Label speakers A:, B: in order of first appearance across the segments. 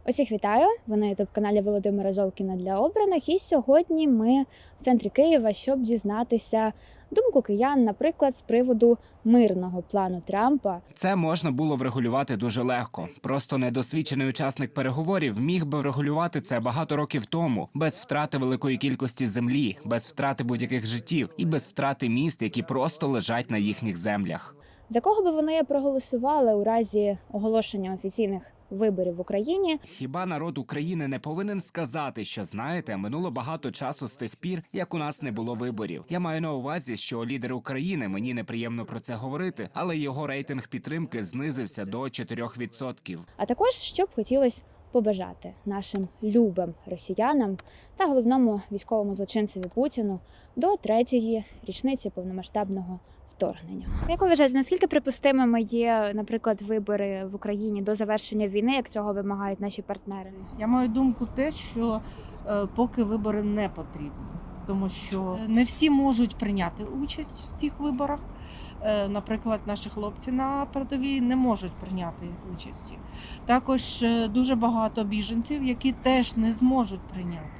A: Усіх вітаю! Ви на ютуб-каналі Володимира Золкіна для обраних. І сьогодні ми в центрі Києва, щоб дізнатися думку киян, наприклад, з приводу мирного плану Трампа.
B: Це можна було врегулювати дуже легко. Просто недосвідчений учасник переговорів міг би врегулювати це багато років тому, без втрати великої кількості землі, без втрати будь-яких життів і без втрати міст, які просто лежать на їхніх землях.
A: За кого би вони проголосували у разі оголошення офіційних виборів в Україні?
B: Хіба народ України не повинен сказати, що, знаєте, минуло багато часу з тих пір, як у нас не було виборів. Я маю на увазі, що лідер України, мені неприємно про це говорити, але його рейтинг підтримки знизився до 4%.
A: А також, що б хотілося побажати нашим любим росіянам та головному військовому злочинцеві Путіну до 3-ї річниці повномасштабного вторгнення. Як ви вважаєте, наскільки припустимими є, наприклад, вибори в Україні до завершення війни, як цього вимагають наші партнери?
C: Я маю думку те, що поки вибори не потрібні, тому що не всі можуть прийняти участь в цих виборах. Наприклад, наші хлопці на передовій не можуть прийняти участі. Також дуже багато біженців, які теж не зможуть прийняти.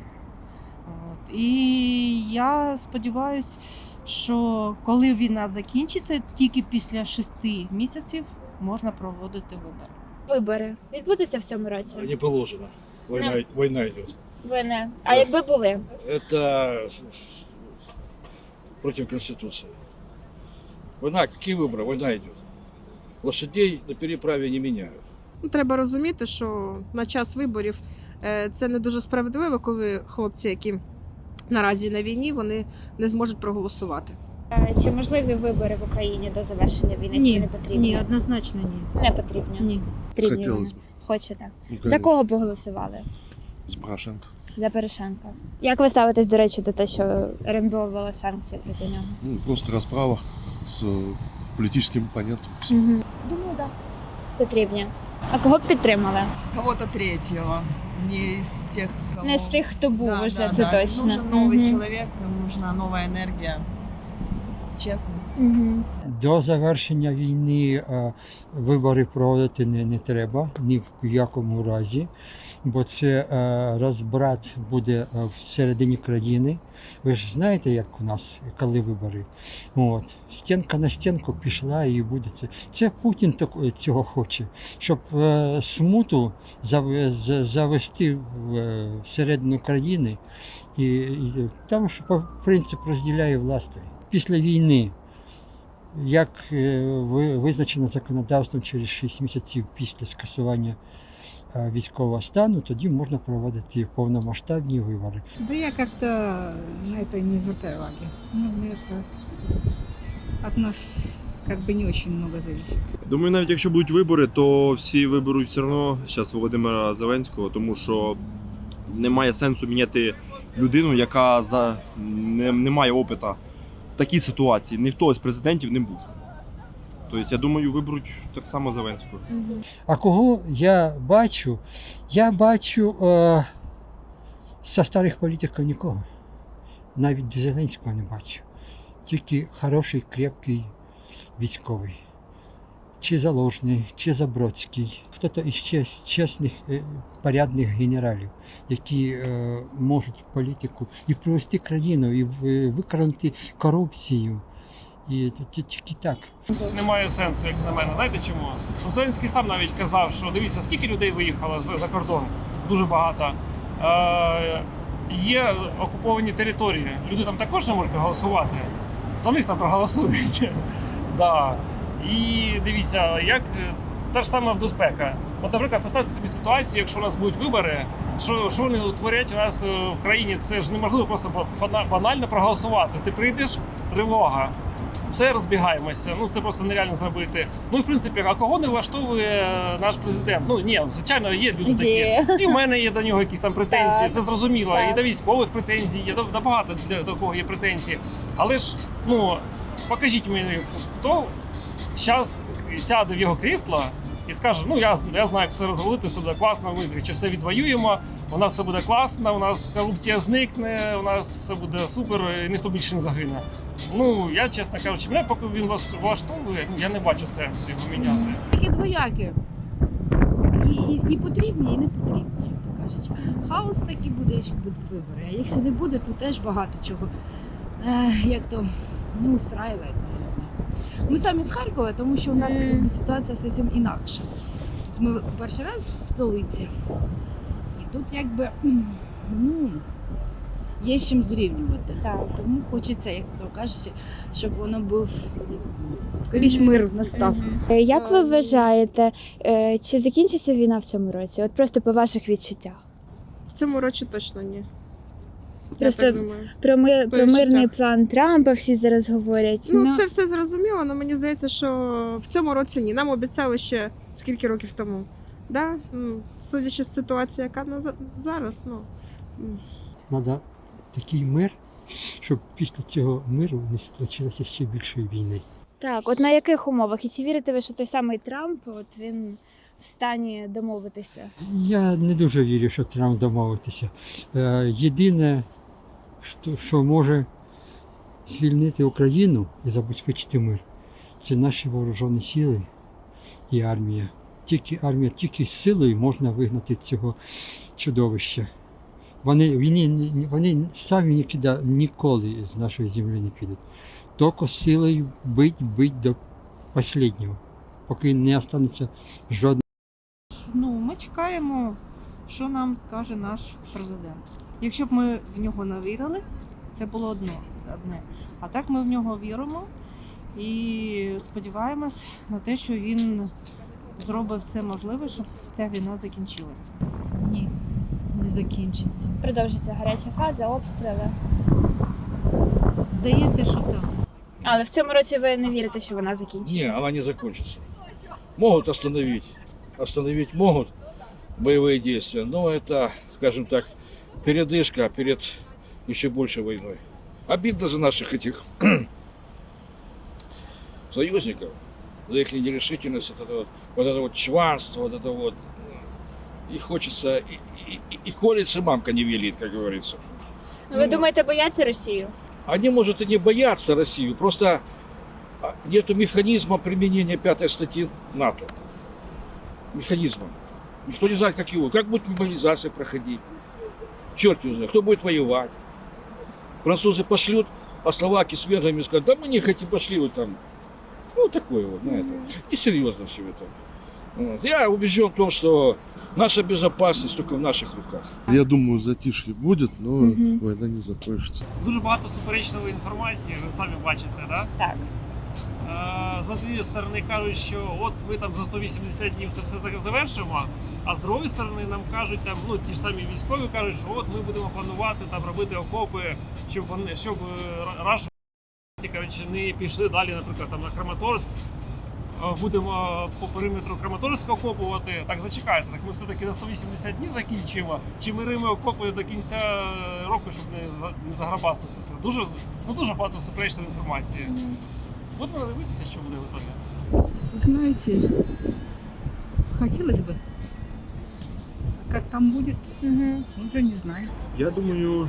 C: І я сподіваюся, що коли війна закінчиться, тільки після 6 місяців можна проводити вибори.
A: Вибори відбудуться в цьому році?
D: Не положено. Война идет.
A: Ви не. А якби були?
D: Это против Конституции. Война, какие выборы? Война идет. Лошадей на переправе не меняют.
E: Треба розуміти, що на час виборів це не дуже справедливо, коли хлопці, які наразі на війні, вони не зможуть проголосувати.
A: Чи можливі вибори в Україні до завершення війни? Чи не потрібні?
F: Ні, однозначно ні.
A: Не потрібні.
F: Ні.
A: Потрібні
G: Хотілося
A: вони.
G: б.
A: Хочете.
G: Ну,
A: За кого б голосували?
G: З Порошенко.
A: За Порошенка. Як ви ставитесь, до речі, до те, що РНБО ввела санкції проти нього?
G: Ну, просто расправа с политическим оппонентом.
A: Угу.
F: Думаю, да.
A: Потрібні. А кого б підтримали?
H: Кого-то третьего, не из тех, кого...
A: Не з тих, хто був
H: Да,
A: уже,
H: да,
A: це
H: да.
A: точно.
H: Нужен новый
A: Мгм.
H: человек, нужна новая энергия, честность.
A: Мгм.
I: До завершення війни вибори проводити не треба ні в якому разі, бо це розбрат буде всередині країни. Ви ж знаєте, як у нас, коли вибори. От. Стінка на стінку пішла і буде це. Це Путін цього хоче, щоб смуту завести всередину країни. І там ж принцип розділяє власти. Після війни, як визначено законодавством через 6 місяців після скасування військового стану, тоді можна проводити повномасштабні вибори.
F: Да я как-то на это не звертаю уваги. Ну, это от нас как бы не очень много зависит.
J: Думаю, навіть якщо будуть вибори, то всі виберуть все одно зараз Володимира Зеленського, тому що немає сенсу міняти людину, яка не має опиту в такій ситуації. Ніхто з президентів не був. Тобто, я думаю, виберуть так само Зеленського.
I: А кого я бачу? Я бачу зі старих політиків нікого. Навіть Зеленського не бачу. Тільки хороший, крепкий військовий. Чи Залужний, чи Забродський. Хто-то із чесних, порядних генералів, які можуть політику і привести країну, і викорінити корупцію. І тільки так.
K: Немає сенсу, як на мене. Знаєте чому? Зеленський сам навіть казав, що дивіться, скільки людей виїхало за кордон. Дуже багато. Є окуповані території. Люди там також не можуть проголосувати. За них там проголосують. Да. І дивіться, як та ж сама безпека. От, наприклад, представте собі ситуацію, якщо у нас будуть вибори, що вони творять у нас в країні, це ж неможливо просто банально проголосувати. Ти прийдеш, тривога. Все, розбігаємося, це просто нереально зробити. Ну і в принципі, а кого не влаштовує наш президент? Ну ні, звичайно, є люди такі. І в мене є до нього якісь там претензії, це зрозуміло.
A: Так.
K: І до військових претензій, є до багато до кого є претензії. Але ж, покажіть мені, хто зараз сяде в його крісло і скаже, я знаю, як все розвалити, все буде класно, ми чи все відвоюємо, у нас все буде класно, у нас корупція зникне, у нас все буде супер, і ніхто більше не загине. Я, чесно кажучи, мене поки він вас влаштовує, я не бачу сенсу його міняти.
F: Такі двоякі. І потрібні, і не потрібні. хаос такий буде, якщо будуть вибори. А якщо не буде, то теж багато чого. Як то, устраює, мабуть. Ми самі з Харкова, тому що у нас ситуація зовсім інакша. Ми перший раз в столиці. І тут якби, є з чим зрівнювати.
A: Так.
F: Тому хочеться, як то кажуть, щоб воно був, скоріш мир настав.
A: Як ви вважаєте, чи закінчиться війна в цьому році? От просто по ваших відчуттях.
E: В цьому році точно ні.
A: Просто
E: Я так думаю.
A: Про
E: відчуттях.
A: мирний план Трампа всі зараз говорять.
E: Ну, це все зрозуміло, але мені здається, що в цьому році ні. Нам обіцяли ще скільки років тому. Да? Судячи з ситуації, яка зараз,
I: Треба такий мир, щоб після цього миру не случилося ще більшої війни.
A: Так, от на яких умовах? І чи вірите ви, що той самий Трамп, от він в стані домовитися?
I: Я не дуже вірю, що Трамп домовитися. Єдине, що може звільнити Україну і забезпечити мир, це наші вооружені сили і армія. Тільки силою можна вигнати цього чудовища. Вони самі ніколи з нашої землі не підуть. Тільки силою бить до останнього, поки не залишиться жодного.
C: Ми чекаємо, що нам скаже наш президент. Якщо б ми в нього не вірили, це було одне. А так ми в нього віримо і сподіваємось на те, що він зробить все можливе, щоб ця війна закінчилася.
F: Ні, не закінчиться.
A: Продовжиться гаряча фаза, обстріли.
C: Здається, що так.
A: Але в цьому році ви не вірите, що вона закінчиться?
D: Не, она не закончится. Могут остановить могут боевые действия, но это, скажем так, передышка перед еще большей войной. Обидно за наших этих союзников, за их нерешительность, вот это вот чванство, вот это вот. И хочется, и колется мамка не велит, как говорится.
A: Ну, ви думаєте, бояться Росію?
D: Они, может, и не боятся Россию, просто нету механизма применения 5 статьи НАТО. Механизма. Никто не знает, как его. Как будет мобилизация проходить? Черт не знает. Кто будет воевать? Французы пошлют, а словаки с венграми скажут, да мы не хотим, пошли вы там. Ну, такое вот, знаете. Несерьезно все это. Вот. Я убежден в том, что наша безопасность только в наших руках.
G: Я думаю, затишье будет, но война не закончится.
K: Дуже багато суперечної інформації, ви самі бачите, да?
A: Так.
K: З однієї сторони кажуть, що от ми там за 180 днів це все завершимо, а з другої сторони нам кажуть, там, ті ж самі військові кажуть, що от ми будемо планувати там робити окопи, щоб раші не пішли далі, наприклад, там на Краматорськ. Будемо по периметру Краматорська окопувати. Так, зачекайте, так ми все-таки на 180 днів закінчимо, чи ми римо окопи до кінця року, щоб не заграбастися все. Дуже багато суперечної інформації. Будемо дивитися, що буде в итоге.
F: Знаете, хотелось бы. Как там будет, уже не знаю.
J: Я думаю,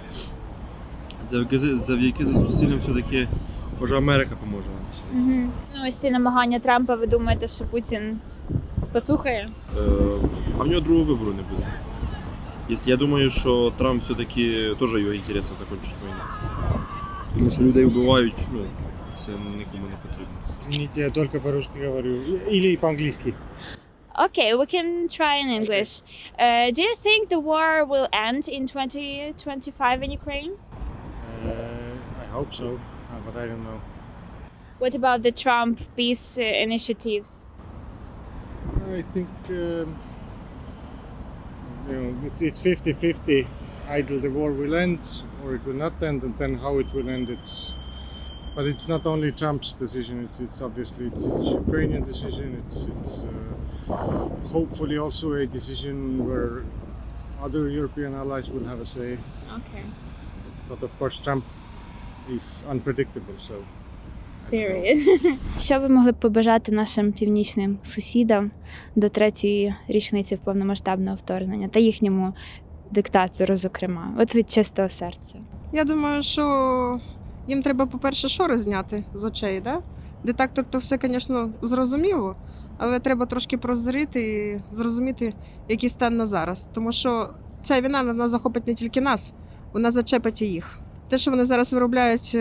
J: завдяки зусиллям все-таки, може, Америка поможе нам.
A: Ну, ось ці намагання Трампа, ви думаєте, що Путін послухає?
J: А в нього другого вибору не буде. Я думаю, що Трамп все-таки теж його інтересно закінчить війну. Тому що людей вбивають, це нікому не потрібно.
K: Извините, я только по-русски говорю. Или по-английски.
A: Okay, we can try in English. Do you think the war will end in 2025 in Ukraine?
K: I hope so, but I don't know.
A: What about the Trump peace initiatives?
K: I think it's 50-50. Either the war will end or it will not end, and then how it will end. But it's not only Trump's decision. It's obviously it's Ukrainian decision. It's hopefully also a decision where other European allies will have a say.
A: Okay.
K: But of course, Trump is unpredictable. So.
A: Period. Що ви могли б побажати нашим північним сусідам до 3-ї річниці повномасштабного вторгнення та їхньому диктатору, зокрема, от від чистого серця?
E: Я думаю, що їм треба, по-перше, шори зняти з очей, да? Детектор то все, звісно, зрозуміло, але треба трошки прозріти і зрозуміти, який стан на зараз. Тому що ця війна вона захопить не тільки нас, вона зачепить і їх. Те, що вони зараз виробляють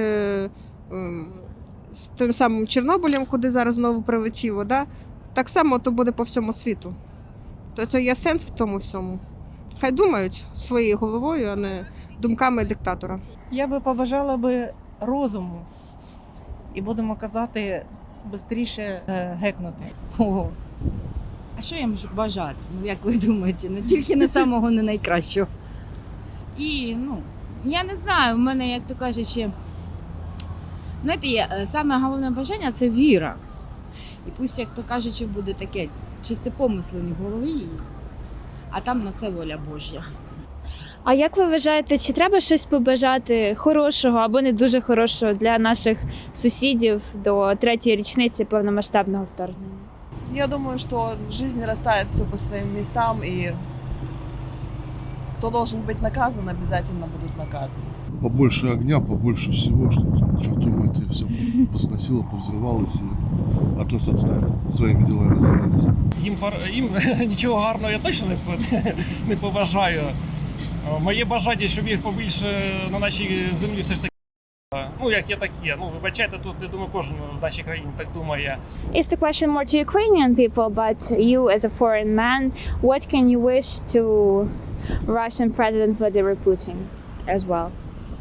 E: з тим самим Чорнобилем, куди зараз знову прилетіло, да? Так само то буде по всьому світу. То є сенс в тому всьому. Хай думають своєю головою, а не думками диктатора.
C: Я би побажала би розуму і будемо казати швидше гекнути.
F: Ого. А що я можу бажати? Ну, як ви думаєте? Ну, тільки не самого не найкращого. І, я не знаю, в мене, як то кажучи, знаєте, саме головне бажання – це віра. І пусть, як то кажучи, буде таке чисте помислення в голові, а там на це воля Божя.
A: А як ви вважаєте, чи треба щось побажати хорошого або не дуже хорошого для наших сусідів до 3-ї річниці повномасштабного вторгнення?
H: Я думаю, что жизнь расставит все по своим местам, и кто должен быть наказан, обязательно будут наказаны.
G: Побольше огня, побольше всего, чтобы чертом это все посносило, повзрывалось и от нас отстали. Своими делами занялись.
K: Їм нічого гарного я точно не побажаю. Моє бажання, щоб їх побільше на нашій землі все ж таки. Ну, як є, так є. Ну, вибачайте, тут, я думаю, кожен в нашій країні так думає.
A: It's the question more to Ukrainian people, but you as a foreign man, what can you wish to Russian President Vladimir Putin as well?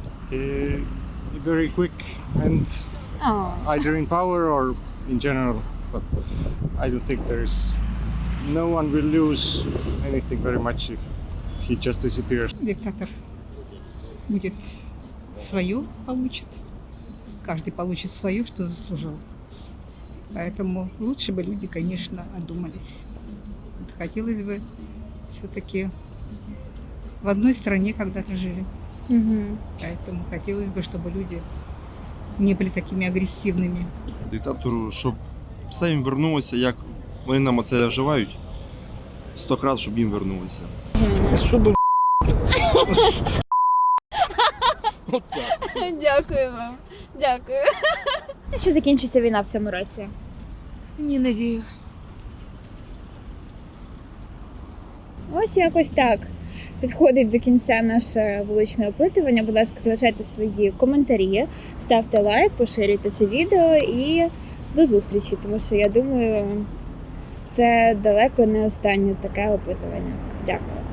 L: Very quick and
A: Oh.
L: either in power or in general. But I don't think no one will lose anything very much if he just disappears.
M: Диктатор будет свое получит. Каждый получит свое, что заслужил. Поэтому лучше бы люди, конечно, одумались. Вот хотелось бы все-таки в одной стране когда-то жили. Поэтому хотелось бы, чтобы люди не были такими агрессивными.
J: Диктатору, щоб все їм вернулося, як вони нам оце вживають, 100 крат, щоб їм вернулося.
L: Чтобы
A: Дякую вам. Дякую. Що закінчиться війна в цьому році?
M: Ні, не вірю.
A: Ось якось так. Підходить до кінця наше вуличне опитування. Будь ласка, залишайте свої коментарі, ставте лайк, поширюйте це відео і до зустрічі, тому що я думаю, це далеко не останнє таке опитування. Дякую.